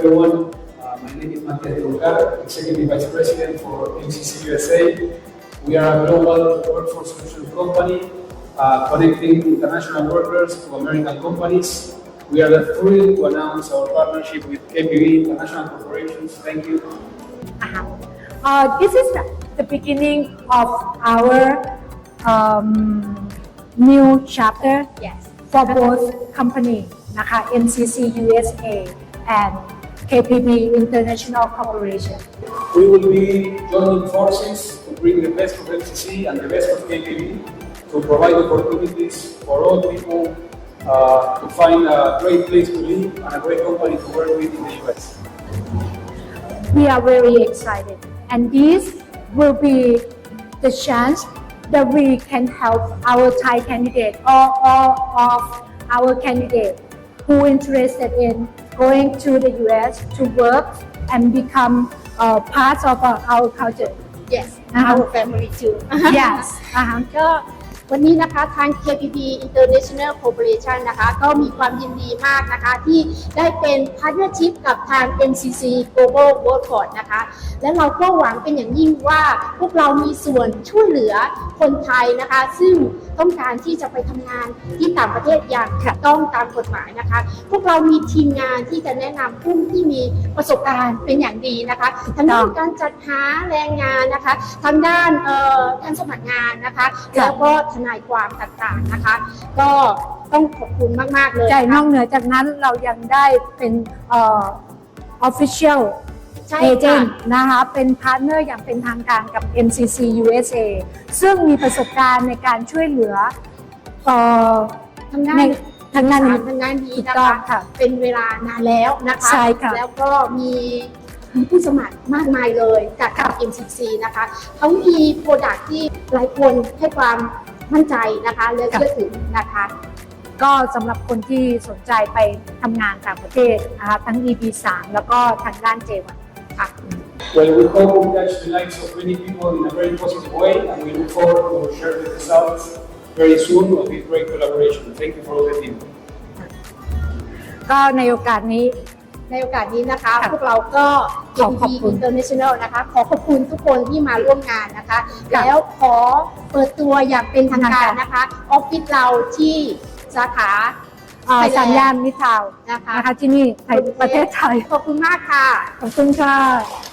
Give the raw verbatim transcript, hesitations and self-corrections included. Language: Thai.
everyone. Uh, my name is Matias Lugar, Executive Vice President for M C C U S A. We are a global workforce solutions company uh, connecting international workers to American companies. We are thrilled to announce our partnership with K P B International Corporations. Thank you. Uh, this is the beginning of our um, new chapter Yes. for both companies นะคะ M C C U S A and K P B International Corporation. We will be joining forces to bring the best of M C C and the best of K P B to provide opportunities for all people uh, to find a great place to live and a great company to work with in the U S. We are very excited, and this will be the chance that we can help our Thai candidate or all of our candidate who interested in going to the U S to work and become uh, part of our, our culture. Yes. Uh-huh. Our family too. Yes. อ่าฮะก็วันนี้นะคะทาง K P B International Corporation นะคะก็มีความยินดีมากนะคะที่ได้เป็นพาร์ทเนอร์ชิพกับทาง M C C Global Workforce นะคะและเราก็หวังเป็นอย่างยิ่งว่าพวกเรามีส่วนช่วยเหลือคนไทยนะคะซึ่งต้องการที่จะไปทำงานที่ต่างประเทศอย่างถูกต้องตามกฎหมายนะคะพวกเรามีทีมงานที่จะแนะนำผู้ที่มีประสบการณ์เป็นอย่างดีนะคะทางด้านการจัดหาแรงงานนะคะทางด้านเอ่อการสมัครงานนะคะแล้วก็ทนายความต่างๆนะคะก็ต้องขอบคุณมากๆเลยใจนอกเหนือจากนั้นเรายังได้เป็นเอ่อ official ใช่เอเจนค่ะต์นะคะเป็นพาร์ทเนอร์อย่างเป็นทางการกับ M C C U S A ซึ่งมีประสบการณ์ในการช่วยเหลือเอ่อทางด้าในนทางด้านนี้ทางด้านนี้ถูกนะต้องคะค่ะเป็นเวลานานแล้วนะคะใช่ค่ะแล้วก็มีมีผู้สมัครมากมายเลยจากทาง M C C นะคะเขามีโปรดักที่หลายคนให้ความมั่นใจนะคะและเชื่อถือนะคะก็สำหรับคนที่สนใจไปทำงานต่างประเทศนะคะทั้ง E B สามแล้วก็ทางด้าน J วันค่ะ Well, we hope we touch the lives of many people in a very positive way, and we look forward to share the results very soon of this great collaboration. Thank you for all the team. ก็ในโอกาสนี้ในโอกาสนี้นะคะค่ะพวกเราก็ขอขอบ K P B คุณ International นะคะขอขอบคุณทุกคนที่มาร่วมงานนะคะค่ะแล้วขอเปิดตัวอย่างเป็นทางการนะคะออฟฟิศเราที่สาขาเอ่อไทยแลนด์สามย่านมิตรทาวน์นะคะนะคะที่นี่ไทยประเทศไทยขอบคุณมากค่ะขอบคุณค่ะ